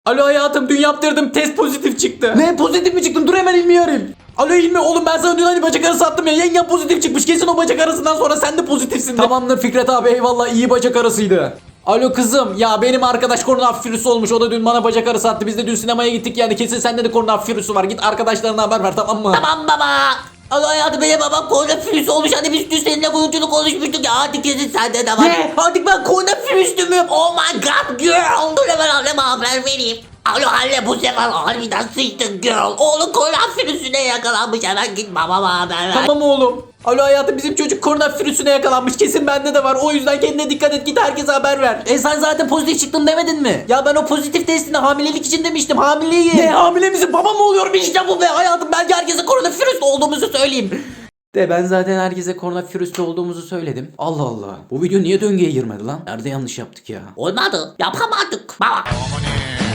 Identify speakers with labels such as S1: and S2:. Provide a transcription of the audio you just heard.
S1: Alo hayatım, dün yaptırdım, test pozitif çıktı. Ne, pozitif mi çıktın? Dur hemen İlmi'yi arayayım. Alo İlmi, oğlum ben sana dün hani bacak arası attım ya, yengen pozitif çıkmış, kesin o bacak arasından sonra sen de pozitifsin. Tamamdır Fikret abi, eyvallah, iyi bacak arasıydı. Alo kızım, ya benim arkadaş koronavirüsü olmuş, o da dün bana bacak arası attı, biz de dün sinemaya gittik, yani kesin sende de koronavirüsü var, git arkadaşlarına haber ver, tamam mı?
S2: Tamam baba. Alo hayatım, benim babam koronavirüs olmuş. Hani biz dün seninle bunu konuşmuştuk ya. Hadi kesin sende de var.
S1: Ne?
S2: Hadi ben koronavirüslü müyüm? Oh my god girl. Dur hemen anneme haber vereyim. Alo anne, bu sefer harbiden sıçtın girl. Oğlum koronavirüsüne yakalanmış. Hemen git babama haber ver.
S1: Tamam oğlum. Alo hayatım, bizim çocuk koronavirüsüne yakalanmış, kesin bende de var, o yüzden kendine dikkat et, git herkese haber ver.
S2: Sen zaten pozitif çıktın demedin mi?
S1: Ya ben o pozitif testini hamilelik için demiştim, hamileyim.
S2: Ne, hamile misin? Baba mı oluyorum? İşte bu be hayatım. Ben herkese koronavirüs olduğumuzu söyleyeyim.
S1: De ben zaten herkese koronavirüste olduğumuzu söyledim. Allah Allah. Bu video niye döngüye girmedi lan? Nerede yanlış yaptık ya?
S2: Olmadı. Yapamadık. Baba.